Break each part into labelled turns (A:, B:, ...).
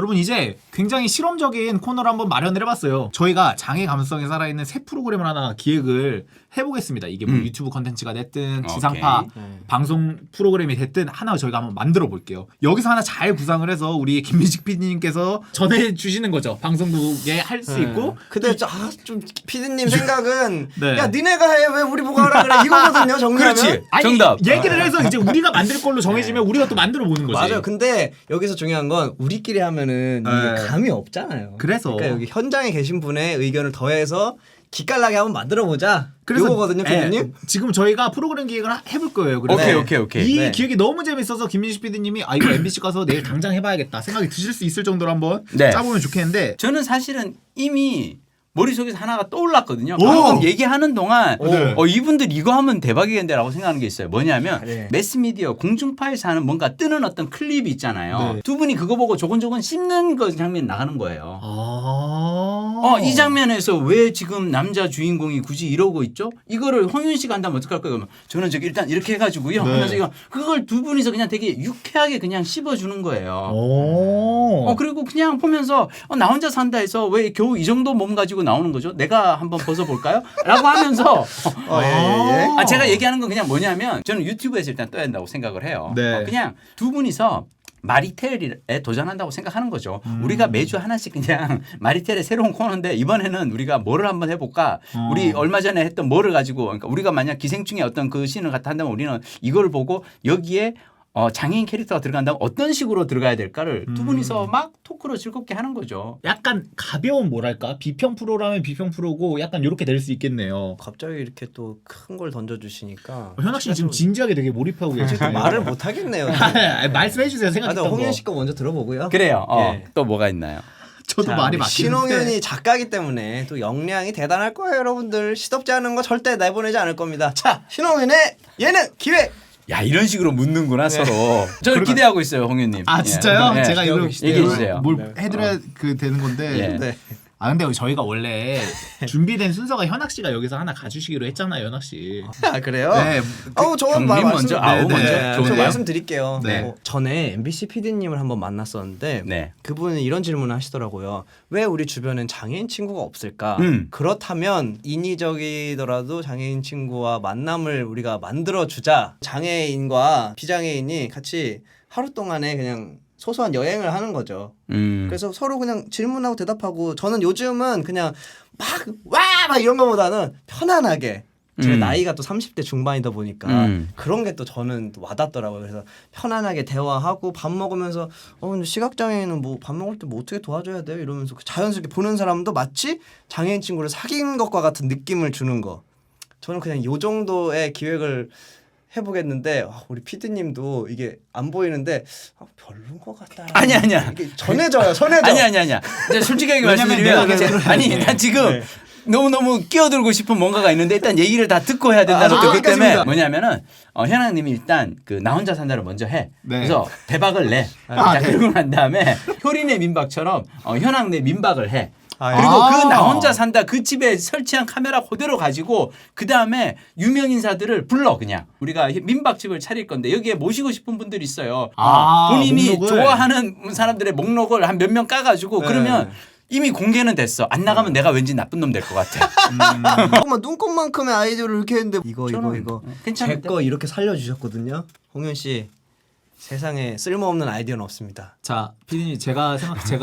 A: 여러분 이제 굉장히 실험적인 코너를 한번 마련을 해봤어요. 저희가 장애 감수성이 살아있는 새 프로그램을 하나 기획을 해보겠습니다. 이게 뭐 유튜브 컨텐츠가 됐든 지상파 방송 프로그램이 됐든 하나 저희가 한번 만들어 볼게요. 여기서 하나 잘 구상을 해서 우리 김민식 PD님께서 전해주시는 거죠. 방송국에 할 수 있고.
B: 근데 좀 PD님 생각은
A: 네.
B: 야 니네가 해 왜 우리 보고 하라 그래 이거거든요. 정리하면.
C: 그렇지.
A: 아니,
C: 정답.
A: 얘기를 해서 이제 우리가 만들 걸로 정해지면 우리가 또 만들어 보는 거지.
B: 맞아요. 근데 여기서 중요한 건 우리끼리 하면은 이게 감이 없잖아요.
A: 그래서
B: 그러니까 여기 현장에 계신 분의 의견을 더해서 기깔나게 한번 만들어 보자. 이거거든요, PD님.
A: 지금 저희가 프로그램 기획을 해볼 거예요. 그래서
C: 오케이.
A: 이
B: 네.
A: 기획이 너무 재밌어서 김민식 PD님이 이거 MBC 가서 내일 당장 해봐야겠다 생각이 드실 수 있을 정도로 한번
C: 네.
A: 짜보면 좋겠는데.
C: 저는 사실은 이미 머릿속에서 하나가 떠올랐거든요.
A: 오!
C: 방금 얘기하는 동안
A: 네.
C: 이분들 이거 하면 대박이겠는데라고 생각하는 게 있어요. 뭐냐면
B: 네.
C: 매스미디어 공중파에서 하는 뭔가 뜨는 어떤 클립이 있잖아요.
A: 네.
C: 두 분이 그거 보고 조곤조곤 씹는 그 장면 나가는 거예요. 이 장면에서 왜 지금 남자 주인공이 굳이 이러고 있죠? 이거를 홍윤 씨가 한다면 어떡할 거예요? 그러면 저는 저기 일단 이렇게 해가지고요.
A: 네.
C: 하면서 이거 그걸 두 분이서 그냥 되게 유쾌하게 그냥 씹어주는 거예요. 그리고 그냥 보면서 나 혼자 산다 해서 왜 겨우 이 정도 몸 가지고 나오는 거죠? 내가 한번 벗어볼까요? 라고 하면서
B: 예.
C: 제가 얘기하는 건 그냥 뭐냐면 저는 유튜브에서 일단 떠야 한다고 생각을 해요.
A: 네.
C: 그냥 두 분이서 마리텔에 도전한다고 생각하는 거죠. 우리가 매주 하나씩 그냥 마리텔의 새로운 코너인데 이번에는 우리가 뭐를 한번 해볼까? 우리 얼마 전에 했던 뭐를 가지고 그러니까 우리가 만약 기생충의 어떤 그 씬을 갖다 한다면 우리는 이걸 보고 여기에 장애인 캐릭터가 들어간다면 어떤 식으로 들어가야 될까를 두 분이서 막 토크로 즐겁게 하는 거죠.
A: 약간 가벼운 뭐랄까 비평 프로라면 비평 프로고 약간 이렇게 될 수 있겠네요.
B: 갑자기 이렇게 또 큰 걸 던져주시니까
A: 현학 씨 지금 진지하게 되게 몰입하고 계시네요.
B: 말을 못 하겠네요.
A: 말씀해 주세요. 생각했던 거.
B: 홍현 씨 거 먼저 들어보고요.
C: 그래요.
B: 예.
C: 또 뭐가 있나요?
A: 저도
B: 자,
A: 말이
B: 우리
A: 막히는데.
B: 신홍현이 작가이기 때문에 또 역량이 대단할 거예요, 여러분들. 시덥지 않은 거 절대 내보내지 않을 겁니다. 자, 신홍현의 예능 기획.
C: 야 이런 식으로 묻는구나 서로. 저는 기대하고 있어요, 홍윤님.
A: 아 진짜요?
C: 예.
A: 제가 이거
C: 얘기해 주세요.
A: 뭘 해드려야 되는 건데.
C: 예.
B: 네.
A: 아 근데 저희가 원래 준비된 순서가 현학 씨가 여기서 하나 가주시기로 했잖아요, 현학 씨.
B: 아 그래요?
A: 네.
B: 저
C: 경민 먼저, 아우
A: 먼저.
B: 저
C: 좋은데요?
B: 말씀드릴게요.
A: 네.
B: 전에 MBC PD님을 한번 만났었는데
C: 네.
B: 그분은 이런 질문을 하시더라고요. 왜 우리 주변엔 장애인 친구가 없을까? 그렇다면 인위적이더라도 장애인 친구와 만남을 우리가 만들어주자. 장애인과 비장애인이 같이 하루 동안에 그냥 소소한 여행을 하는 거죠. 그래서 서로 그냥 질문하고 대답하고 저는 요즘은 그냥 막 이런 거보다는 편안하게 제 나이가 또 30대 중반이다 보니까 그런 게 또 저는 또 와닿더라고요. 그래서 편안하게 대화하고 밥 먹으면서 근데 시각장애인은 뭐 밥 먹을 때 뭐 어떻게 도와줘야 돼요? 이러면서 자연스럽게 보는 사람도 마치 장애인 친구를 사귄 것과 같은 느낌을 주는 거. 저는 그냥 요 정도의 기획을 해보겠는데 우리 PD님도 이게 안 보이는데 별론 것 같다.
C: 아니야.
B: 이게 전해져요.
C: 아니야. 이제 솔직하게 말씀드리면 난 지금 너무 끼어들고 싶은 뭔가가 있는데 일단 얘기를 다 듣고 해야 된다는 그것 때문에 뭐냐면은 현아님이 일단 그 나 혼자 산다를 먼저 해.
A: 네.
C: 그래서 대박을 내. 자, 그러고 난 다음에 효린의 민박처럼 현아의 민박을 해. 그리고 그 나 혼자 산다 그 집에 설치한 카메라 그대로 가지고 그 다음에 유명 인사들을 불러 그냥 우리가 민박집을 차릴 건데 여기에 모시고 싶은 분들이 있어요. 본인이
A: 목록을.
C: 좋아하는 사람들의 목록을 한 몇 명 까가지고 그러면 이미 공개는 됐어. 안 나가면 내가 왠지 나쁜 놈 될 것 같아.
B: 잠깐만 눈꽃만큼의 아이디어를 이렇게 했는데 이거
C: 괜찮은데?
B: 제 거 이렇게 살려주셨거든요. 홍현 씨 세상에 쓸모없는 아이디어는 없습니다.
A: 자, 피디님 제가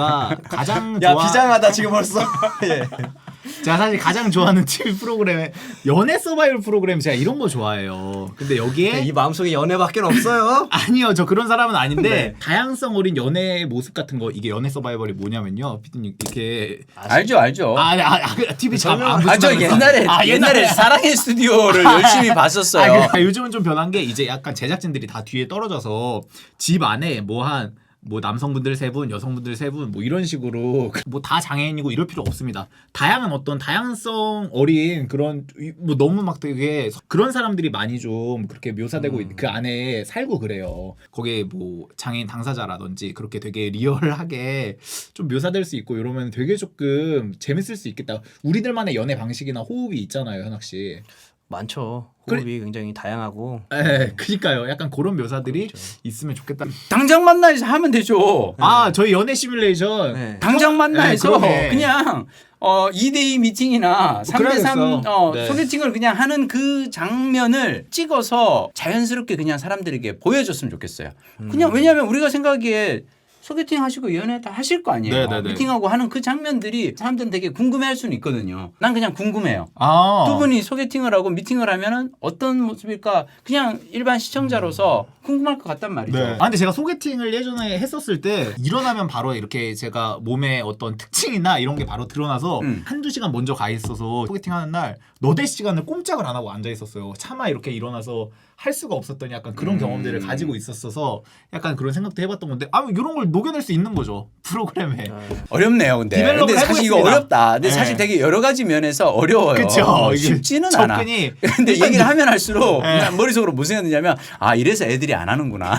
A: 가장
B: 야 비장하다 지금 벌써. 예.
A: 제가 사실 가장 좋아하는 TV 프로그램에 연애 서바이벌 프로그램 제가 이런 거 좋아해요. 근데 여기에
B: 이 마음속에 연애밖에 없어요.
A: 아니요, 저 그런 사람은 아닌데
B: 네.
A: 다양성 어린 연애의 모습 같은 거 이게 연애 서바이벌이 뭐냐면요, 피디님 이렇게
C: 알죠.
A: TV 잘 안
C: 저
A: 보시나
C: 옛날에 사랑의 스튜디오를 열심히 봤었어요.
A: 요즘은 좀 변한 게 이제 약간 제작진들이 다 뒤에 떨어져서 집 안에 뭐 남성분들 3분, 여성분들 3분 뭐 이런 식으로 뭐 다 장애인이고 이럴 필요 없습니다. 다양한 어떤 다양성 어린 그런 뭐 너무 막 되게 그런 사람들이 많이 좀 그렇게 묘사되고 그 안에 살고 그래요. 거기에 뭐 장애인 당사자라든지 그렇게 되게 리얼하게 좀 묘사될 수 있고 이러면 되게 조금 재밌을 수 있겠다. 우리들만의 연애 방식이나 호흡이 있잖아요, 현학 씨.
B: 많죠. 호흡이 굉장히 다양하고.
A: 네, 그니까요. 약간 그런 묘사들이 있으면 좋겠다.
C: 당장 만나서 하면 되죠.
A: 아, 저희 연애 시뮬레이션.
B: 네.
C: 당장 만나서
A: 그러네.
C: 그냥 2대2 미팅이나 3대3
A: 그래야겠어. 네.
C: 소개팅을 그냥 하는 그 장면을 찍어서 자연스럽게 그냥 사람들에게 보여줬으면 좋겠어요. 그냥 왜냐하면 우리가 생각하기에 소개팅 하시고 연애 다 하실 거 아니에요.
A: 네네네.
C: 미팅하고 하는 그 장면들이 사람들은 되게 궁금해할 수는 있거든요. 난 그냥 궁금해요.
A: 아.
C: 두 분이 소개팅을 하고 미팅을 하면은 어떤 모습일까 그냥 일반 시청자로서 궁금할 것 같단 말이죠.
A: 네. 아 근데 제가 소개팅을 예전에 했었을 때 일어나면 바로 이렇게 제가 몸에 어떤 특징이나 이런 게 바로 드러나서 한두 시간 먼저 가 있어서 소개팅하는 날 너댓 시간을 꼼짝을 안 하고 앉아 있었어요. 차마 이렇게 일어나서 할 수가 없었던 약간 그런 경험들을 가지고 있었어서 약간 그런 생각도 해봤던 건데 아 이런 걸 녹여낼 수 있는 거죠 프로그램에.
C: 어렵네요, 근데.
A: 디벨롭을
C: 근데 사실 이거
A: 해보겠습니다.
C: 어렵다. 근데
A: 네.
C: 사실 되게 여러 가지 면에서 어려워요.
A: 그쵸. 이게
C: 쉽지는 않아.
A: 접근이
C: 근데 얘기를 하면 할수록
A: 네.
C: 그냥 머릿속으로 무슨 생각드냐면 아 이래서 애들이 안 하는구나.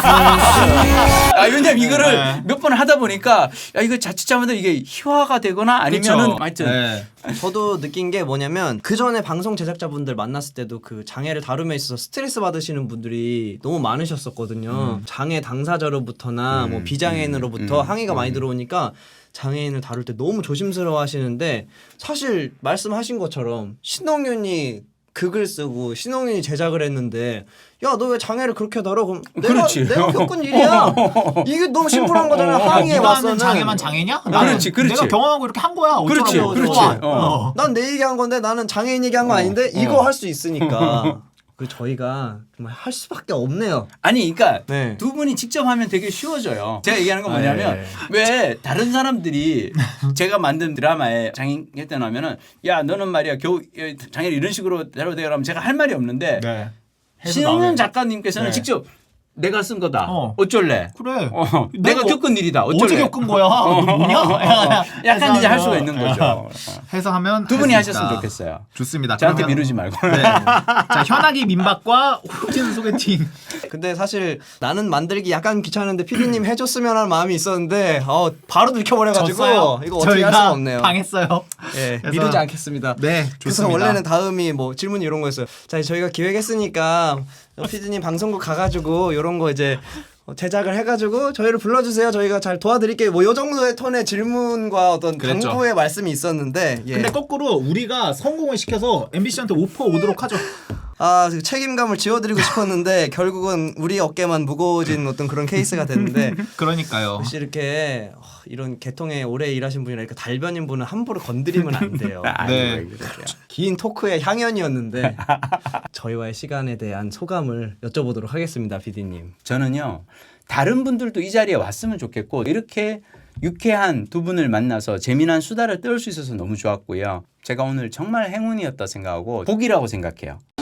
C: 왜냐면 이거를
A: 네.
C: 몇 번 하다 보니까 야 이거 자칫 잘못하면 이게 희화가 되거나 아니면은
A: 그쵸.
C: 하여튼
A: 네.
B: 저도 느낀 게 뭐냐면 그 전에 방송 제작자분들 만났을 때도 그 장애를 다룸에 있어서 스트레스 받으시는 분들이 너무 많으셨었거든요. 장애 당사자로부터나 뭐 비장애인으로부터 항의가 많이 들어오니까 장애인을 다룰 때 너무 조심스러워 하시는데 사실 말씀하신 것처럼 신동윤이 극을 쓰고 신동윤이 제작을 했는데 야 너 왜 장애를 그렇게 다뤄? 그럼
C: 그렇지.
B: 내가 겪은 일이야. 이게 너무 심플한 거잖아. 항의에
A: 네가 하는
B: 맞서는.
A: 장애만 장애냐?
C: 그렇지, 그렇지.
A: 내가 경험하고 이렇게 한 거야.
C: 그렇지,
A: 어쩌라고.
C: 그렇지.
A: 좋아.
C: 어.
B: 난 내 얘기한 건데 나는 장애인 얘기한 거 아닌데 이거 할 수 있으니까 그 저희가 정말 할 수밖에 없네요.
C: 아니 그러니까
B: 네.
C: 두 분이 직접 하면 되게 쉬워져요. 제가 얘기하는 건 뭐냐면
B: 네.
C: 왜 다른 사람들이 제가 만든 드라마에 장애인 했다 나면은 야 너는 말이야 겨우 장애를 이런 식으로 다뤄야 그러면 제가 할 말이 없는데
A: 네. 해서
C: 신흥현
A: 나오네.
C: 작가님께서는
A: 네.
C: 직접 내가 쓴 거다.
A: 어.
C: 어쩔래?
A: 그래.
C: 내가 겪은 일이다. 어쩔래?
A: 어제 겪은 거야. 너 뭐냐?
C: 약간 이제 할 수가 있는 거죠.
A: 해서 하면
C: 두 분이
A: 할수
C: 하셨으면
A: 있다.
C: 좋겠어요.
A: 좋습니다.
C: 저한테
A: 그러면-
C: 미루지 말고.
A: 네. 자 현아기 민박과 호진 소개팅.
B: 근데 사실 나는 만들기 약간 귀찮은데 PD님 해줬으면 하는 마음이 있었는데 바로 들켜버려가지고
A: 졌어요.
B: 이거 어떻게 할 수가 없네요.
A: 당했어요.
B: 예,
A: 그래서-
B: 미루지 않겠습니다.
A: 네,
B: 그래서
A: 좋습니다.
B: 원래는 다음이 뭐 질문 이런 거였어요. 자 저희가 기획했으니까 PD님 방송국 가가지고 이런 거 이제 제작을 해가지고 저희를 불러주세요. 저희가 잘 도와드릴게요. 뭐 요 정도의 톤의 질문과 어떤
A: 그랬죠.
B: 당부의 말씀이 있었는데 예.
A: 근데 거꾸로 우리가 성공을 시켜서 MBC한테 오퍼 오도록 하죠.
B: 그 책임감을 지워드리고 싶었는데 결국은 우리 어깨만 무거워진 어떤 그런 케이스가 됐는데
A: 그러니까요.
B: 혹시 이렇게 이런 계통에 오래 일하신 분이라 이렇게 달변인 분은 함부로 건드리면 안 돼요.
A: 네.
B: 긴 토크의 향연이었는데 저희와의 시간에 대한 소감을 여쭤보도록 하겠습니다, PD님.
C: 저는요 다른 분들도 이 자리에 왔으면 좋겠고 이렇게 유쾌한 두 분을 만나서 재미난 수다를 떨 수 있어서 너무 좋았고요. 제가 오늘 정말 행운이었다 생각하고 복이라고 생각해요.